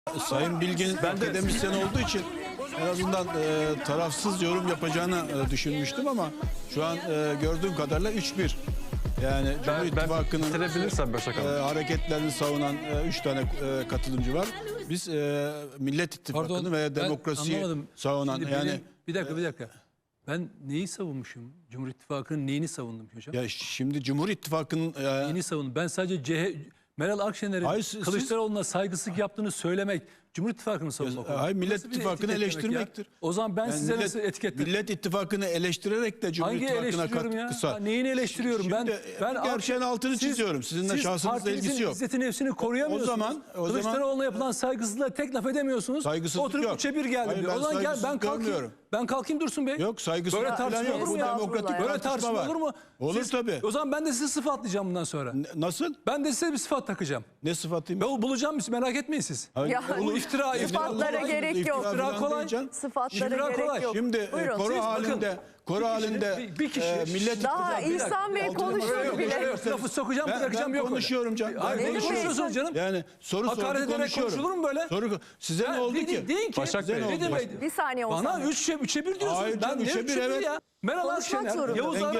Sayın Bilgin akademisyen olduğu için en azından tarafsız yorum yapacağını düşünmüştüm ama şu an gördüğüm kadarıyla 3-1. Yani Cumhur İttifakı'nın hareketlerini savunan 3 tane katılımcı var. Biz Millet İttifakı'nı ve demokrasiyi savunan yani... Bir dakika. Ben neyi savunmuşum? Cumhur İttifakı'nın neyini savundum hocam? Ya şimdi Cumhur İttifakı'nın... Neyini savundum? Ben sadece Meral Akşener'in Kılıçdaroğlu'na saygısızlık yaptığını söylemek Cumhur İttifakı'nı savunmak. Hayır, Millet İttifakı'nı eleştirmektir. O zaman ben yani size nasıl etiketledim? Millet İttifakı'nı eleştirerek de Cumhur İttifakı'na kısa. Neyini eleştiriyorum? Şimdi, ben gerçeğin altını çiziyorum. Sizinle şahsınızla ilgisi yok. İzzetini nefsini koruyamıyorsunuz. Kılıçdaroğlu'na yapılan saygısızlığa tek laf edemiyorsunuz. Saygısızlık oturup yok. 3'e 1 geldi. Hayır, o zaman gel ben kalkayım Dursun Bey. Yok, saygısızlık böyle tartışma yok. Bu demokratik böyle tartışma olur mu? Olur tabii. O zaman ben de sizi sıfatlayacağım bundan sonra. Nasıl? Ben de size bir sıfat takacağım. Ne sıfatıyım? Ben bulacağım, merak etmeyin siz. Bunu iftira sıfatlara gerek yok. İftira kolay. Sıfatlara gerek yok. Şimdi koro halinde bir kişi Millet daha İhsan Bey konuşmadı bile. Lafı sokacağım, bırakacağım yok. Konuşuyorum canım. Ne konuşuyorsunuz canım? Yani soru konuşuyorum. Konuşulur mu böyle? Size ne oldu ki? Deyin ki. Bir saniye olsun. Bana 3'e 1 diyorsunuz. Hayır, Ben ne 3'e 1 evet. Ya? Meral Akşener,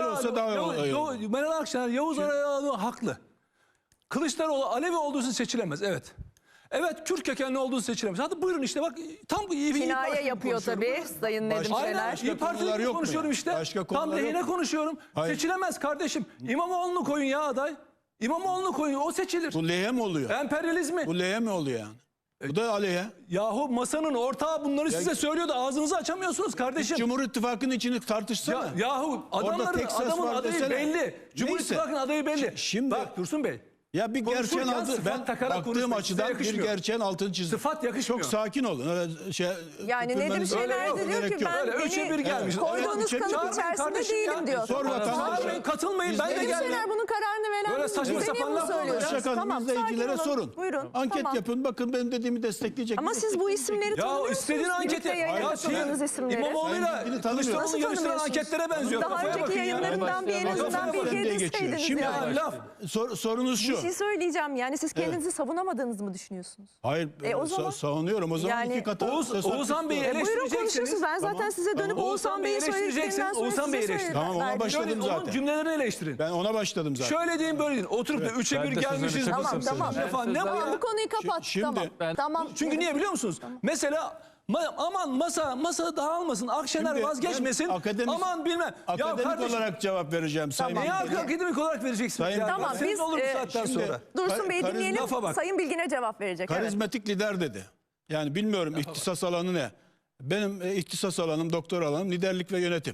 Meral Akşener, Yavuz Arayağlı haklı. Kılıçdaroğlu Alevi olduğu için seçilemez. Evet. Evet, Kürt kökenli olduğu seçilemez. Hadi buyurun işte bak tam iyi bir kinaye yapıyor tabii Sayın Nedim Şener. Aynen, İYİ Parti'de konuşuyorum işte. Tam lehine konuşuyorum. Hayır. Seçilemez kardeşim. İmamoğlu'nu koyun ya aday. İmamoğlu'nu koyun, o seçilir. Bu lehe mi oluyor? Emperyalizmi. Bu lehe mi oluyor yani? Bu da aleyhe. Yahu masanın ortağı bunları size söylüyordu. Ağzınızı açamıyorsunuz kardeşim. Cumhur İttifakı'nın içini tartışsana. Yahu adamın adayı belli. Cumhur İttifakı'nın adayı belli. Şimdi bak Dursun Bey. Ya bir gerçeğin altı, ben baktığım açıdan bir gerçeğin altını çizdim. Sıfat yakışmıyor. Çok sakin olun. Öyle yani Nedim Şener de diyor ki ben beni koyduğunuz kalıp içerisinde değilim diyor. Sor vatandaşa. Katılmayın, ben de geldim. Nedim Şener bunun kararını veren böyle saçma sapan laf söylüyorsunuz. Tamam, izleyicilere sorun. Buyurun. Anket yapın, bakın benim dediğimi destekleyecek. Ama siz bu isimleri tanımıyorsunuz. Ya istediğin anketi. İmamoğlu'yla Kılıçdaroğlu'nun yarıştıran anketlere benziyor. Daha önceki yayınlarından bir en azından bilgi edinseydiniz. Şimdi sorunuz şu. Bir şey söyleyeceğim. Yani siz kendinizi savunamadığınızı mı düşünüyorsunuz? Hayır, savunuyorum. O zaman yani, iki katı. Oğuzhan Bey'i eleştireceksiniz. Buyurun konuşuyorsunuz. Ben zaten size dönüp Oğuzhan Bey'i söylediklerinden sonra Oğuzhan Bey'i eleştirin. Tamam, ona başladım zaten. Onun cümlelerini eleştirin. Ben ona başladım zaten. Şöyle deyin, böyle deyin. Oturup da 3'e 1 gelmişiz. Tamam. Bu konuyu kapat. Tamam. Çünkü niye biliyor musunuz? Mesela aman masa dağılmasın, Akşener vazgeçmesin, aman bilmem. Akademik olarak cevap vereceğim. Neye akademik olarak vereceksiniz? Tamam, biz olur bu saatten sonra. Dursun Bey'i dinleyelim, Sayın Bilgin'e cevap verecek. Karizmatik lider dedi. Yani bilmiyorum ihtisas alanı ne? Benim ihtisas alanım, doktor alanım liderlik ve yönetim.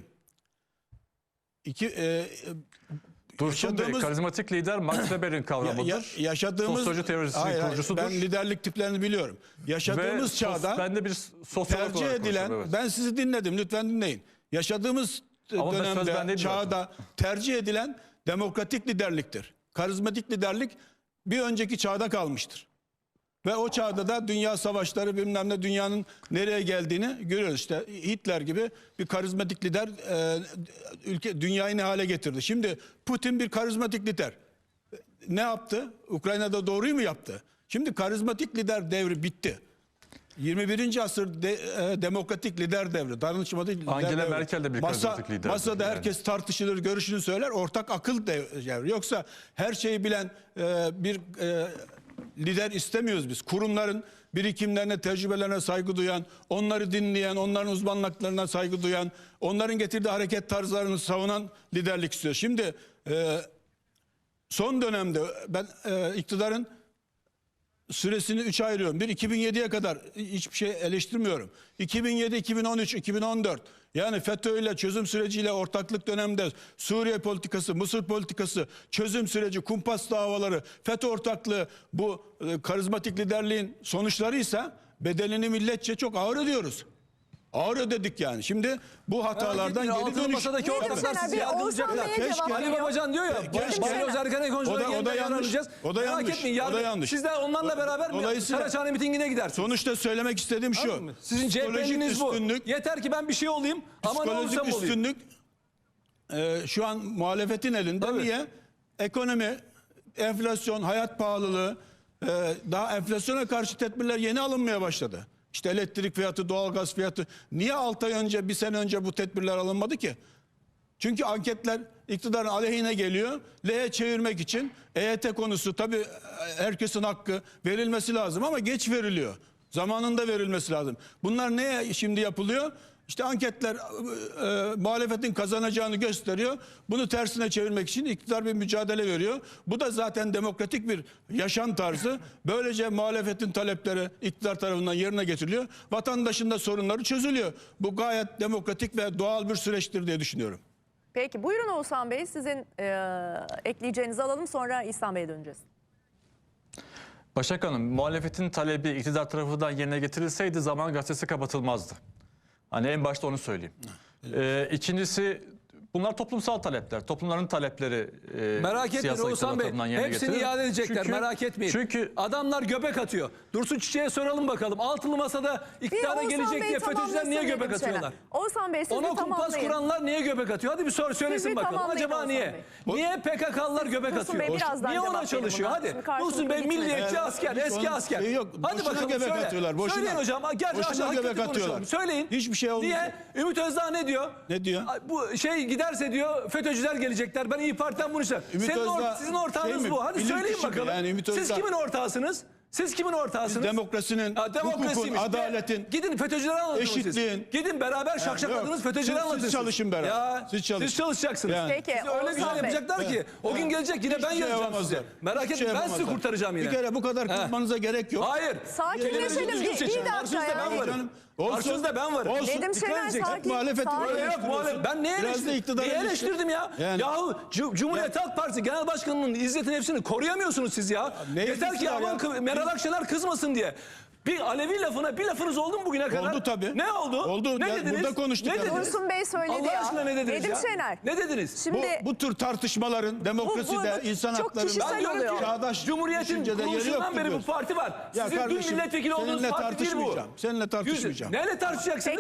Dursun Bey, karizmatik lider Max Weber'in kavramıdır. Yaşadığımız sosyoloji teorisinin kurucusudur. Ben liderlik tiplerini biliyorum. Yaşadığımız çağda ben de bir sosyolog tercih edilen, ben sizi dinledim, lütfen dinleyin. Yaşadığımız dönemde, çağda tercih edilen demokratik liderliktir. Karizmatik liderlik bir önceki çağda kalmıştır. Ve o çağda da dünya savaşları bilmem ne, dünyanın nereye geldiğini görüyoruz. İşte Hitler gibi bir karizmatik lider dünyayı ne hale getirdi. Şimdi Putin bir karizmatik lider. Ne yaptı? Ukrayna'da doğruyu mu yaptı? Şimdi karizmatik lider devri bitti. 21. asır demokratik lider devri. Danışmacı lider Angela devri. Merkel de bir karizmatik lider. Masada herkes tartışılır, görüşünü söyler. Ortak akıl devri. Yoksa her şeyi bilen bir lider istemiyoruz biz. Kurumların birikimlerine, tecrübelerine saygı duyan, onları dinleyen, onların uzmanlıklarına saygı duyan, onların getirdiği hareket tarzlarını savunan liderlik istiyor. Şimdi son dönemde ben iktidarın süresini 3'e ayırıyorum. 2007'ye kadar hiçbir şey eleştirmiyorum. 2007, 2013, 2014 yani FETÖ ile çözüm süreciyle ortaklık döneminde Suriye politikası, Mısır politikası, çözüm süreci, kumpas davaları, FETÖ ortaklığı bu karizmatik liderliğin sonuçlarıysa bedelini milletçe çok ağır ödüyoruz. Ağır ödedik yani. Şimdi bu hatalardan geri dönüş. Masadaki ortaklar sizi yargılayacaklar. Ali Babacan diyor ya. O da yanlış. O da yanlış. O da yanlış. Siz de onlarla beraber Saraçhane mitingine gidersiniz. Sonuçta söylemek istediğim şu. Sizin CHP'niz bu. Yeter ki ben bir şey olayım ama ne olursam olayım. Üstünlük şu an muhalefetin elinde. Tabii. Niye? Ekonomi, enflasyon, hayat pahalılığı, daha enflasyona karşı tedbirler yeni alınmaya başladı. İşte elektrik fiyatı, doğalgaz fiyatı. Niye 6 ay önce, bir sene önce bu tedbirler alınmadı ki? Çünkü anketler iktidarın aleyhine geliyor. Leh'e çevirmek için EYT konusu tabii herkesin hakkı, verilmesi lazım ama geç veriliyor. Zamanında verilmesi lazım. Bunlar neye şimdi yapılıyor? İşte anketler muhalefetin kazanacağını gösteriyor. Bunu tersine çevirmek için iktidar bir mücadele veriyor. Bu da zaten demokratik bir yaşam tarzı. Böylece muhalefetin talepleri iktidar tarafından yerine getiriliyor. Vatandaşın da sorunları çözülüyor. Bu gayet demokratik ve doğal bir süreçtir diye düşünüyorum. Peki buyurun Oğuzhan Bey, sizin ekleyeceğinizi alalım, sonra İhsan Bey'e döneceğiz. Başak Hanım, muhalefetin talebi iktidar tarafından yerine getirilseydi Zaman Gazetesi kapatılmazdı. Hani en başta onu söyleyeyim. İkincisi, bunlar toplumsal talepler. Toplumların talepleri merak etmeyin Oğuzhan Bey. Hepsini iade edecekler, merak etmeyin. Çünkü adamlar göbek atıyor. Dursun Çiçek'e soralım bakalım. Altılı Masa'da iktidara gelecek diye FETÖ'cüler niye göbek atıyorlar? Oğuzhan Bey, siz Ona de kumpas tamamlayın. kuranlar niye göbek atıyor? Hadi bir soru söylesin bir bakalım. tamamlayın Acaba Oğuzhan niye? Bey. Niye PKK'lılar göbek Dursun atıyor? Bey, birazdan Niye cevap ona verin çalışıyor? buna. Hadi. Şimdi karşılıklı Dursun Bey gitmeyin. milliyetçi asker, eski asker. Yok, Hadi boşuna bakalım göbek söyle. atıyorlar, boşuna. Söyleyin hocam. Gerçi Boşuna hakikaten göbek konuşalım. atıyorlar. Söyleyin. Hiçbir şey olmayacak. Niye? Ümit Özdağ ne diyor? Ne diyor? Bu şey giderse diyor FETÖ'cüler gelecekler. Ben İYİ Parti'den bunu istiyorum. Ümit Özdağ Sizin ortağınız şey mi? bu. Hadi Bilim söyleyin kişi mi? bakalım. Yani Ümit Siz Özdağ- kimin ortağısınız? Siz kimin ortağısınız? Demokrasinin, hukukun, Demokrasiymiş. adaletin, Gidin FETÖ'cüleri anlatın eşitliğin. siz. Gidin beraber şakşakladınız yok. FETÖ'cüleri Siz anlatın. çalışın beraber. Ya, Siz çalışın. siz çalışacaksınız. Yani. Peki, Siz öyle güzel Oğuzhan Bey. yapacaklar ki o gün gelecek yine ben Hiçbir şey yazacağım size. yapamazlar. Merak Hiçbir etmeyin şey ben sizi yapamazlar. kurtaracağım yine. Bir kere bu kadar kızmanıza gerek yok. Hayır. Sakinleşelim. Düzgün seçin. İyi dakika Karşınızda ya. ben varım. Canım, olsun. Karşınızda ben varım. Olsun. Nedim Dikkat Şener, edeceksin. sakin. Muhalefeti Sakin. böyle Yok eleştiriyorsun. ben neye Biraz da eleştirdim? iktidarı Neye eleştir. eleştirdim ya? Yani. Yahu Cumhuriyet Halk Partisi Genel Başkanı'nın İzzet'in hepsini koruyamıyorsunuz siz ya. ne Yeter ki ilgisi var aman ya? Meral Akşener kızmasın diye. Bir Alevi lafına bir lafınız oldu mu bugüne kadar? Oldu tabii. Ne oldu? Oldu. Ne Ya, dediniz? burada konuştuk Ne yani. dediniz? Dursun Bey söyledi Allah ya. aşkına ne dediniz Nedim ya? Şener. Ne dediniz? Şimdi Bu tür tartışmaların demokraside, bu insan çok haklarında, kişisel Ben diyorum oluyor. ki çağdaş Cumhuriyet'in düşüncede yeri kuruluşundan yoktur beri bu diyorsun. parti var. Ya Sizin dün kardeşim, milletvekili olduğunuz seninle parti değil bu. tartışmayacağım. Seninle tartışmayacağım. Neyle tartışacaksınız?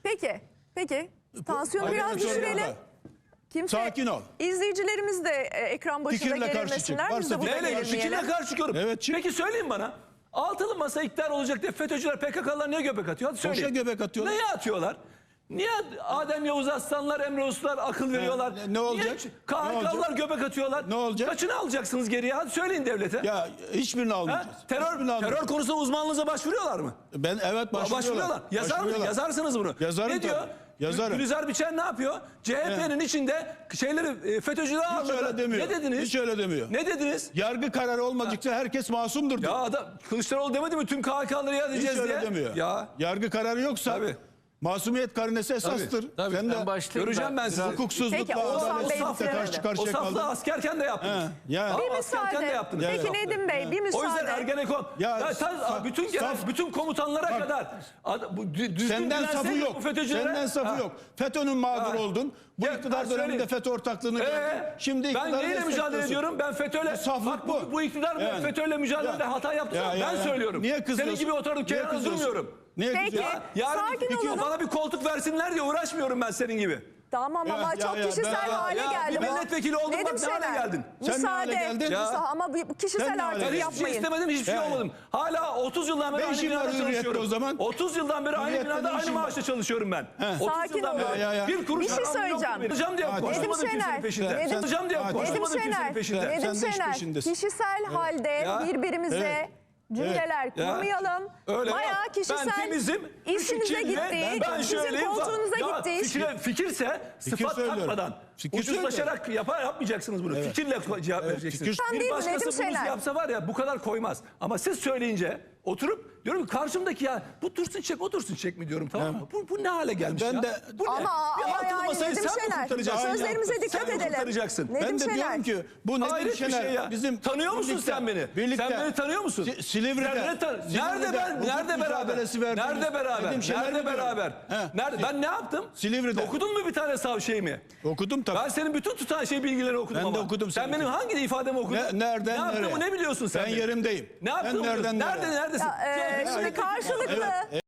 Peki. Tansiyonu biraz Ayrıca düşürelim. orada. Kimse, Sakin ol. İzleyicilerimiz de ekran başında Fikirle karşı gerilmesinler. çık. Biz de Varsa burada Neyle? gerilmeyelim. Fikirle karşı çıkıyorum. Evet, çık. Peki söyleyin bana. Altılı masa iktidar olacak diye FETÖ'cüler, PKK'lar niye göbek atıyor? Hadi söyleyin. göbek atıyorlar. Neye atıyorlar? Niye Adem Yavuz Aslanlar, Emre Uslular akıl veriyorlar? ne olacak? Niye KHK'lılar göbek atıyorlar? Ne olacak? Kaçını alacaksınız geriye? Hadi söyleyin devlete. Ya hiçbirini Ha? almayacağız. Hiçbirini Terör almayacağız. konusunda uzmanlığınıza başvuruyorlar mı? Ben evet başvuruyorlar. Başvuruyorlar. Yazarsınız bunu. Yazarım ne diyor? tabii. Yazarım. Gülizar Biçer ne yapıyor? CHP'nin içinde şeyleri FETÖ'cüler Hiç ağırladı. öyle demiyor. Ne dediniz? Hiç öyle demiyor. Ne dediniz? Yargı kararı olmadıkça herkes masumdur diyor. Ya adam Kılıçdaroğlu demedi mi tüm KHK'ları iade Hiç edeceğiz öyle diye? demiyor. Ya Yargı kararı yoksa Tabii. masumiyet karinesi esastır. Tabii. Sen de göreceğim ben sizi. Peki, hukuksuzlukla, Oğuzhan Bey adaletsizlikle bitirelim. karşı O karşıya saflığı kaldın. askerken de yaptınız. He, yani. Bir Askerken de müsaade. yaptınız. Peki Evet. Nedim Bey bir O yüzden müsaade. Ergenekon. Ya, Bütün bütün komutanlara Bak, kadar düzgün Senden safı dilenseydik yok. bu FETÖ'cülere. Senden safı yok. FETÖ'nün mağdur Ha. oldun. Bu Ya, iktidar söyleyin. döneminde FETÖ ortaklığını gördün. Şimdi ben iktidarı neyle mücadele destekliyorsun. ediyorum? Ben FETÖ'yle. Bu saflık Bak, bu. bu iktidar Yani. FETÖ'yle mücadelede Ya. hata yaptı. Ya, Ben ya. söylüyorum. Niye kızıyorsun? Senin gibi oturduk Niye kenara kızıyorsun? durmuyorum. Niye Peki. kızıyorsun? Yarın Sakin olalım. bana bir koltuk versinler diye uğraşmıyorum ben senin gibi. Tamam ama Ya, çok ya, kişisel ben- hale ya, geldi bir bu. milletvekili oldun, Nedim bak ne hale Şener, geldin. Sen ne hale Müsaade. geldin? Ya. Ama bu Sen kişisel ne hale artık Ben hiçbir şey yapmayın. istemedim, hiçbir şey Yani. olmadım. Hala 30 yıldan beri Ne aynı işin var binada hürriyette çalışıyorum. o zaman? 30 yıldan beri aynı Hürriyette binada ne aynı işin var? maaşla çalışıyorum ben. 30 Sakin yıldan olun. beri. Ya. Bir kuruş Bir şey param yok söyleyeceğim. benim. Alacağım diye Nedim koşmadım kimsenin Şener, peşinde. Nedim- Alacağım diye Nedim koşmadım Nedim kimsenin Şener, peşinde. Nedim Sen de iş Şener, peşindesin. kişisel halde Ya. birbirimize Evet. cümleler Ya. kurmayalım. Öyle Bayağı yok. kişisel Ben temizim. işinize kirli, gitti, ben sizin şöyleyim. koltuğunuza Ya, gitti. Fikirse sıfat söylüyorum. takmadan. Fikir Ucuzlaşarak yapmayacaksınız bunu. Fikirle cevap vereceksiniz. fikir- Sen değil Bir mi Nedim başkası bunu Şener? yapsa var ya bu kadar koymaz. Ama siz söyleyince oturup diyorum ki karşımdaki ya bu Dursun Çek o Dursun Çek mi diyorum, tamam mı? Bu ne hale gelmiş Ben ya? de- Bu ne? Ama Bir altılı yani masayı Nedim sen mi Şener, kurtaracaksın? sözlerimize dikkat Sen mi edelim. kurtaracaksın? Nedim Ben de Şener. diyorum ki bu Nedim Hayret bir Şener şey ya. bizim Tanıyor musun birlikte- sen beni? Birlikte, Sen beni tanıyor musun? Silivri'de. Nerede beraber? mücadelesi verdiğimiz Nerede beraber? Nedim Şener Nerede biliyorum. beraber? He. Nerede? Ben ne yaptım? Silivri'de. Okudun mu bir tane şeyimi? Okudum tabii. Ben senin bütün bilgilerini okudum Ben ama. de okudum Sen senin benim hangi ifademi okudun? Nereden ne yaptığımı nereye? ne biliyorsun sen? Ben benim? yerimdeyim. Ne yaptığımı Ben nereden biliyorsun. nereye? Neredesin? Şimdi karşılıklı